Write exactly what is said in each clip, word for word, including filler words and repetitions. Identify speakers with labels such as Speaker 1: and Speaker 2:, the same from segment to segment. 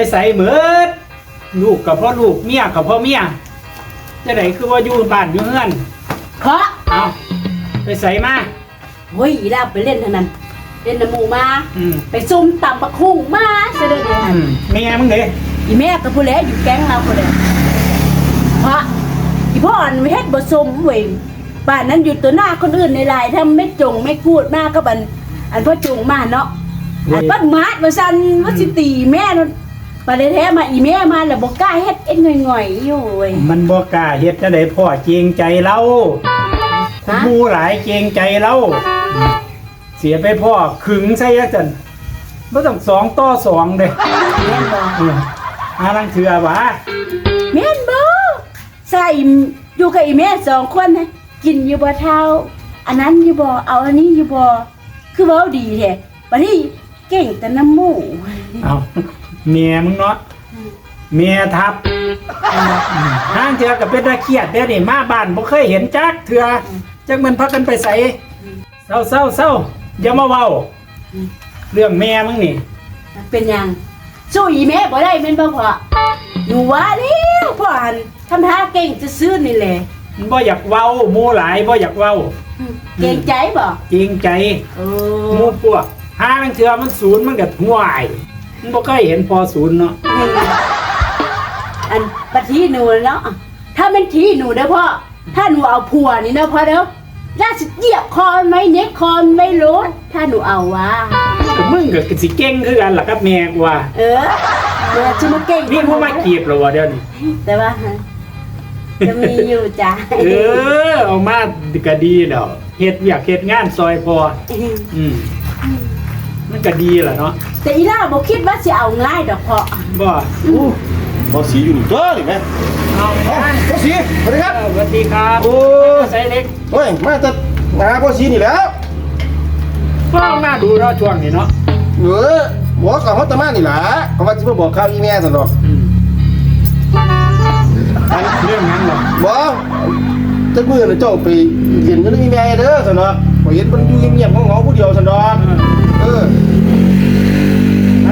Speaker 1: ใส่เหมือดลูกกับพ่อลูกเมียกับพ่อเมียจะไหนคือว่าอยู่บ้านอยู่เฮือน
Speaker 2: เคาะ
Speaker 1: เอาไปใส่มา
Speaker 2: เฮ้ยอีลาไปเล่นเท่านั้นเล่นน้ำหมูมาไปซุ่มตำบักหุ่งมาเสด็จเลย
Speaker 1: เมียมึงเลย
Speaker 2: อีแม่กับผู้เล่อยู่แก๊งเราผู้เล่เพราะอีพ่ออันไม่เฮ็ดบ่สมเว้ยบ้านนั้นอยู่ตัวหน้าคนอื่นในลายถ้าไม่จงไม่พูดมากก็บันอันพ่อจงมาเนาะอันปัดมาดมาสั่นว่าสิตีแม่นั่นปแท้มาอีแม่มาแล้วบ่กล้าเฮ็ดเอ็นง่อยๆอยู่เว้ย
Speaker 1: มันบ่กล้าเฮ็ดจะได้พ่อเกรงใจเราผู้หลายเกรงใจเราเสียไปพ่อขึงใส่ยักจันบ่ต้องสองต่อสองเด้
Speaker 2: แม่นบ่
Speaker 1: หาลังเถื่อวะ
Speaker 2: แม่นบ่ใส่อยู่กับอีแม่สองคนนะกินอยู่บ่เท่าอันนั้นอยู่บ่เอาอันนี้อยู่บ่คือเว้าดีแท้บัดนี้เก่งแต่น้ำหมู
Speaker 1: เอาเมียมึงเนาะเมียทับห้างเถื่อกับเป็นตาเครียดเด้อนี่มาบ้านบ่เคยเห็นจักเถื่อจักมันพักกันไปใส่เศร้าเศร้าเศร้าอย่ามาเว้าเรื่องแม่มึงนี่
Speaker 2: เป็นยังสู้อีแม่บ่ได้แม่นบ่พ่อหนูว่าแล้วพ่อหันทำท่าเก่งจะซื้อนี่แหละ
Speaker 1: มันบ่อยากเว้าหมู่หลายบ่อยากเว้า
Speaker 2: เก่งใจบ่
Speaker 1: จริงใจหมู่พวกห้าลังเถื่อมันศูนย์มันก็ห่วยมันบ่เคยเห็นพอศูนย์เนาะ
Speaker 2: อันปะทีหนูเนาะถ้าเป็นทีหนูเด้อพ่อถ้าหนูเอาผัวนี่เนาะพ่อเด้อน่าสิเหยียบคอไหมเน็กคอไม่รู้ถ้าหนูเอาวะ
Speaker 1: ก็มึงก็สิเก่งคือกันล่ะครับแม่กูว่า
Speaker 2: เออเดี๋ยวจะมาเก่ง
Speaker 1: นี่ผู้มาจีบเหรอวะเดี๋ยวนี้
Speaker 2: แต่ว่าจะมีอยู่จ้ะ
Speaker 1: เออเอามาก็ดีแล้วเฮ็ดอยากเฮ็ดงานซอยพออืมมันก็ดีแหละเนาะ
Speaker 2: แต่อีล่าบอกคิดว่าจะเอาง่ายดอกเพาะ
Speaker 1: บ่
Speaker 3: บอสีอยู่นี่ตัวนี่แม่
Speaker 1: เอา
Speaker 3: บอสีสวัสดีครับ
Speaker 1: สวัสดีครับ
Speaker 3: โอ้
Speaker 1: ใส่เล็ก
Speaker 3: เฮ้ยมาจะมาบอสีนี่แล้ว
Speaker 1: ก็หน้าดูเนาะช่วงนี้เนาะ
Speaker 3: เออบอกกับเขาตะมานี่แหละเขาว่าจะมาบอกข่าวอีแม่สันดอก
Speaker 1: เรื่องนั้นหรอ
Speaker 3: บอกจะมือน่ะเจ้าไปเรียนกันอีแม่เด้อสันดอกพอเห็นมันอยู่เงียบๆงอๆผู้เดียวสันดอกเอออัน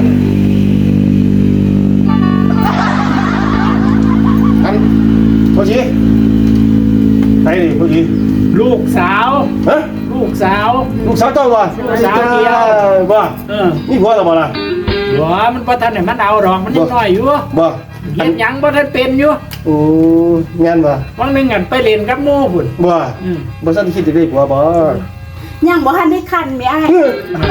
Speaker 3: อันพอดีไปดิพอดี
Speaker 1: ลูกสาว
Speaker 3: ฮะ
Speaker 1: ลูกสาว
Speaker 3: ลูกสาวเจ้าบ่
Speaker 1: ลูกสาวเดียว
Speaker 3: บ่เออนี่ผัวหรือบ่ล่ะ
Speaker 1: บ่มันบ่ทันได้มันเอาดอกมันยังน้อยอยู่
Speaker 3: บ่
Speaker 1: เฮ็ดหยังบ่ทันเป็นอยู่
Speaker 3: โอ้งานบ่
Speaker 1: บางนึงอันไปเล่นกับหมู่พุ่น
Speaker 3: บ่อืมบ่ทันคิดได้ผัวบ่
Speaker 2: ยังบ่ทันได้คันแม่อ้าย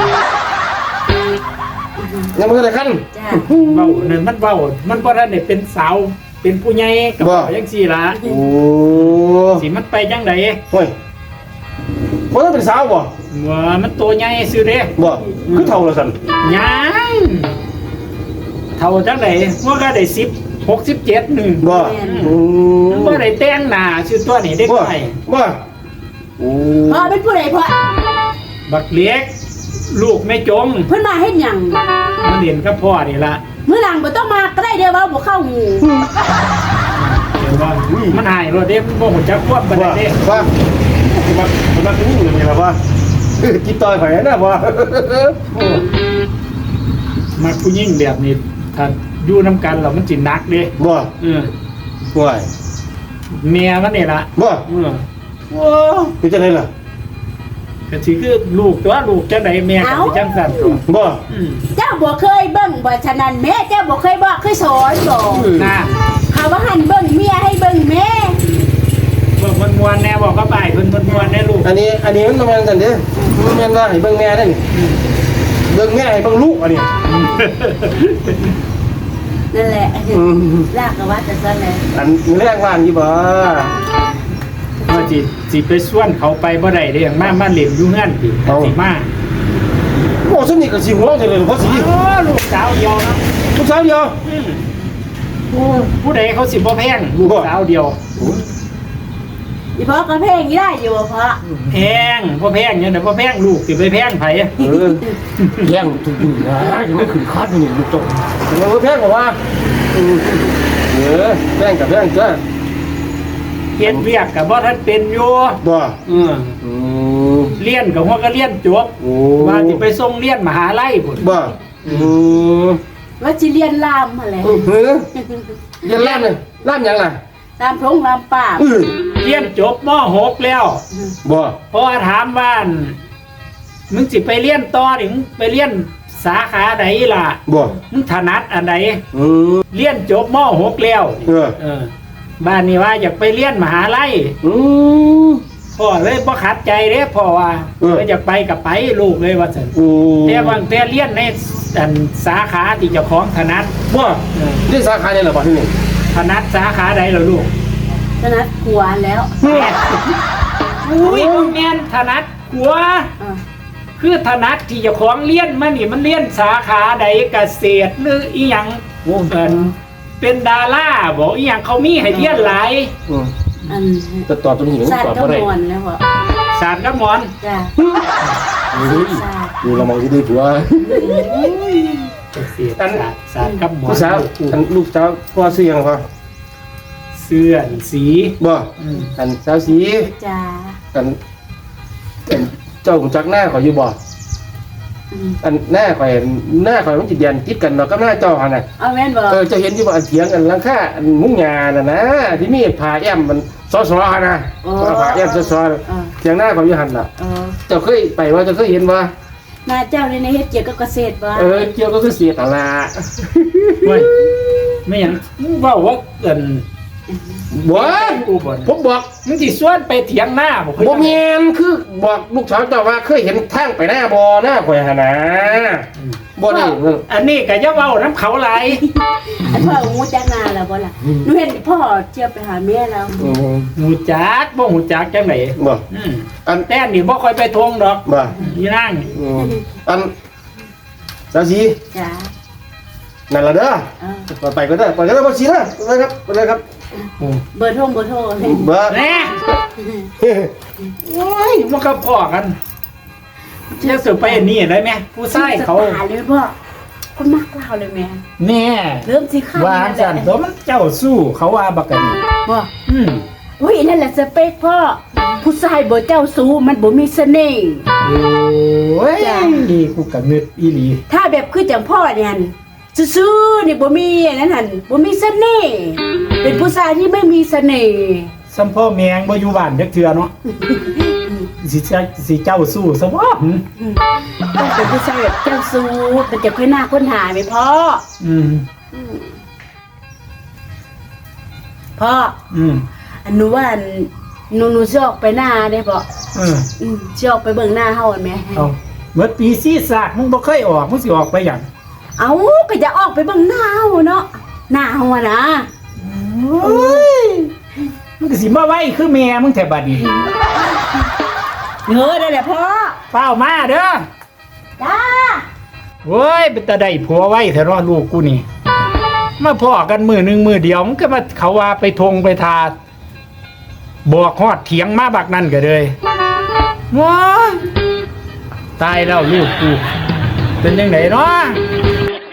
Speaker 3: ยังบ่ทันได้คัน
Speaker 2: จ้ะ
Speaker 1: เว้านั่นมันเว้ามันบ่ทันได้เป็นสาวเป็นผู้ใหญ่ก็จังซี่ล่ะ
Speaker 3: โอ้
Speaker 1: สิมันไปจังได๋
Speaker 3: โอ้ยบ่ทันเป็นสาวบ่
Speaker 1: ว่ามันตัวใหญ่ซื่อเด้
Speaker 3: บ่คือเฒ่าแล้วซั่น
Speaker 1: ยังเฒ่าจังได๋ว่าก็ได้สิบ หกสิบเจ็ดนึง
Speaker 3: บ่
Speaker 1: อืมบ่ได้แต่งหน้าชื่อตัวนี้เด็กน้อย
Speaker 3: บ่โอ้
Speaker 2: พ่อเป็นผู้ใดพ่อ
Speaker 1: บักเล็กลูกแม่จง
Speaker 2: เพิ่นมาเฮ็ดหยัง
Speaker 1: มาเรียนกับพ่อนี่ล่ะ
Speaker 2: มื้อหลังบ่ต้องมาก็ได้เด้อว่าบ่เข้าหู
Speaker 1: เดี๋ยวว่ามันหายรถเด้บ่ฮู้จักควบบ่ได้เด้
Speaker 3: ว่ามามาถึงนี่นี่ล่ะว่ากินต่อยไผนะบ่
Speaker 1: มาผู้หญิงแบบนี้ถ้าอยู่นำกันแล้วมันสิหนักเด้
Speaker 3: บ่
Speaker 1: เออ
Speaker 3: ป่วย
Speaker 1: เมียมันนี่ล่ะ
Speaker 3: บ่
Speaker 1: เออโอ้
Speaker 3: เป็นจังได๋ล่ะ
Speaker 1: ก็สิคือลูกตัวลูกจังได๋แม่ก็สิจังซั่นตัว
Speaker 3: บ่
Speaker 2: เจ้าบ่เคยเบิ่งบ่ฉะนั้นแม่เจ้าบ่เคยบอกเคยสอนบ่
Speaker 1: น่ะ
Speaker 2: เขาว่าหั่นเบิ่งเมียให้เบิ่งแม่
Speaker 1: เบิ่งม่วนๆแน่บอกก็ไปเพิ่นม่วนๆแน่ลูก
Speaker 3: อันนี้อันนี้มันบ่แม่นซั่นเด้มันแม่นว่าให้เบิ่งแม่เด้นี่เบิ่งแม่ให้เบิ่งลูกอันนี้
Speaker 2: นั่นแหละลากก็ว่าจะซั่นแหละ
Speaker 3: อันมีแรงว่านอยู่บ่
Speaker 1: ว่าสิสิไปส่วนเขาไปบ่ได้เด้มามาเล่นอยู่เฮือนติสิมา
Speaker 3: โอ้ซุนี่ก็สิหัวจังเลยเพราะสิ
Speaker 1: โอ้ลูกสาวเดียวเนาะ
Speaker 3: ลูกสาวเดียว
Speaker 1: โอ้ผู้ใดเขาสิบ่แพงลูกสาวเดียว
Speaker 2: อีพ่อก็แพงอีได้อยู่บ่พ่อ
Speaker 1: แพงบ่แพงเนี่ยบ่แพงลูกสิไปแพงไผเออ
Speaker 3: แพงทุกอยู่นะยังไม่ขึ้นคาดนี่ลูกจงบ่แพงบ่ว่าเออแพงกับแพงจ้ะ
Speaker 1: เฮ็ดเวียกก็บ่ทันเป็นอยู่
Speaker 3: บ่
Speaker 1: เอออือเรียนก็ฮอดก็เรียนจบว่าสิไปส่งเรียนมหาลัยพุ่น
Speaker 3: บ่อือ
Speaker 2: ว่าสิเรียนลามหั่นแหละ
Speaker 3: เออเฮ้ยเรียนล่ามเลยล่ามหยังล่ะ
Speaker 2: ตามพงลามป่าบ
Speaker 3: เออ
Speaker 1: เรียนจบม หกแล้ว
Speaker 3: บ่
Speaker 1: พอถามว่ามึงสิไปเรียนต่อนี่มึงไปเรียนสาขาใดล่ะ
Speaker 3: บ่
Speaker 1: มึงถนัดอันใด
Speaker 3: อืม
Speaker 1: เรียนจบม หกแล้ว
Speaker 3: เออ
Speaker 1: เออ บ้านนี้ว่าอยากไปเรียนมหาลัย
Speaker 3: อืม
Speaker 1: พ่อเลยบ่ขัดใจเด้พ่อว่า
Speaker 3: เออ
Speaker 1: เอออยากไปกับไปลูกเลยว่าซั่น
Speaker 3: โอ้
Speaker 1: แต่บางแต่เรียนในอันสาขาที่เจ้าของถนัด
Speaker 3: บ่
Speaker 1: เออ
Speaker 3: เรียนสาขาเนี่ยเหรอบ่ที่นี่
Speaker 1: ถนัดสาขาใดล่ะลูก
Speaker 2: ฉะนั้นกลัวแล้ว
Speaker 1: อุ้ยบ่แม่นถนัดหัว
Speaker 2: อ่า
Speaker 1: คือถนัดที่เจ้าของเรียนมานี่มันเรียนสาขาใดเกษตรหรืออีหยังวงการเป็นดาราบอกอีหยังเขามีให้เรียนหลาย
Speaker 3: อืม
Speaker 2: อัน
Speaker 3: จะตอบตรงนี้หรือ
Speaker 2: ศาสต
Speaker 3: ตอบ
Speaker 2: ร์ก็
Speaker 3: บ่ได้
Speaker 2: มอนแล้วบ่
Speaker 1: ศาสตร์กับหมอน
Speaker 2: จ้ะ
Speaker 3: เฮ้ยดูละมองที่ดีผัว
Speaker 1: เกษตรศาสตร์ศาสตร์กับหมอน
Speaker 3: ลูกสาวอันลูกสาวพ่อซื้อหยังพ่อ
Speaker 1: เสื้อสี
Speaker 3: บ่
Speaker 1: อืม
Speaker 3: อันสาวสี
Speaker 2: จ้ะ
Speaker 3: อันอันเจ้าของจักหน้าข่อยอยู่บ่
Speaker 2: อืม
Speaker 3: อันหน้าข่อยหน้าข่อยมันสิเดียนติดกันเนาะกับหน้าเจ้าหั่นน่ะ
Speaker 2: เอาแม่นบ่
Speaker 3: เออจะเห็นอยู่ว่าอันเถียงกันหลังคาอันมุ้งหญ้าน่ะนะที่มีผ้าแอมมันซอๆหั่นน่ะผ้าแอมซอ
Speaker 2: เออ
Speaker 3: ๆเถียงหน้าข่อยอยู่หั่นน่ะ
Speaker 2: เออ
Speaker 3: เจ้าเคยไปว่าเจ้าเคยเห็นบ่
Speaker 2: หน้าเจ้านี่ในเฮ็ดเกี่ยวกับเกษตรบ่
Speaker 3: เออเกี่ยวก็คือเสียตลาด
Speaker 1: เว้ยไม่หยังมึงเว้าว่าเกิน
Speaker 3: บ่
Speaker 1: กูบ่น
Speaker 3: ผมบอก
Speaker 1: มึงสิชวนไปเถียงหน้าบ่เคย
Speaker 3: บ่แม่นคือบอกลูกสาวเจ้าว่าเคยเห็นทางไปหน้าบ่หน้าข่อยหั่นน่ะบ่ได้
Speaker 1: อันนี้ก็อย่าเว้าน้ำเขาหลาย
Speaker 2: อันพ่องูจักหน้าแล้วบ่ล่ะหนูเห็นพ่อเที่ยวไปหาเมียแล้ว
Speaker 3: อืม
Speaker 1: หูจักบ่หูจักจังได๋
Speaker 3: บ่
Speaker 1: อืม
Speaker 3: อัน
Speaker 1: แต่อันนี่บ่ค่อยไปทวงดอก
Speaker 3: บ่
Speaker 1: อีนาง
Speaker 3: อืมอันสาวสี
Speaker 2: จ้ะ
Speaker 3: นั่นล่ะเด้อ
Speaker 2: เออ
Speaker 3: ต่อไปก็ได้ไปก็ได้บ่สีนะไปครับไปเลยครับ
Speaker 1: โอ้
Speaker 2: เบอร์โทรเบอร์โทรเลย
Speaker 3: บ่
Speaker 1: แน่โอ้ยมันก็พอกันจะสืบไปอันนี่ได้ไหมผู้ชายเขา
Speaker 2: สตร์เลยพ่อคนมักเล่าเลยแม่
Speaker 1: แน่
Speaker 2: เริ่มสิข้าว
Speaker 1: วางสันตัวมันเจ้าสู้เขาว่าบักกันนี่
Speaker 2: บ่
Speaker 1: อืม
Speaker 2: อุ้ยนั่นแหละสเปคพ่อผู้ชายบ่เจ้าสู้มันบ่มีเสน่ห์
Speaker 1: โอ้ย
Speaker 2: จ้ะ
Speaker 1: กูกะเงึดอีหลี
Speaker 2: ถ้าแบบคือจังพ่อเนี่ยหั่นซื่อๆนี่บ่มีอันนั้นหั่นบ่มีเสน่ห์เป็นผู้ชายที่ไม่มีเสน่ห์
Speaker 1: สัมพ่อแมงบ่อยู่บ้านจักเทื่อเนาะสิเจ้าสิเจ้าสู้ซะบ่
Speaker 2: อืมต้องเป็นผู้ชายแบบเจ้าสู้มันจะค่อยหน้าค้นหาไหมพ่อ
Speaker 1: อืม
Speaker 2: อืมพ่อ
Speaker 1: อืม
Speaker 2: อันหนูว่าอันหนูหนูสิออกไปหน้าได้บ่
Speaker 1: เออ
Speaker 2: อืมสิออกไปเบิ่งหน้าเฮาอันแหม
Speaker 1: เอาเมื่อปีซีซากมึงบ่เคยออกมึงสิออกไปหยัง
Speaker 2: เอาก็จะออกไปเบิ่งหน้าเฮาเนาะหน้าเฮาอะนะ
Speaker 1: โอ้ยมึงก็สิมาไว้คือแม่มึงแท้บัดนี้
Speaker 2: เออได้แหละพ่อ
Speaker 1: เฝ้ามาเด้อ
Speaker 2: จ้า
Speaker 1: โว้ยเป็นตาได้ผัวไว้แท้เนาะลูกกูนี่ มาพ่อกันมือหนึ่งมือเดียวมันก็มาเขาว่าไปทงไปทาบอกฮอดเถียงมาบักนั่นก็เลยว้ายตายแล้วลูกกู เป็นยังไงเนาะ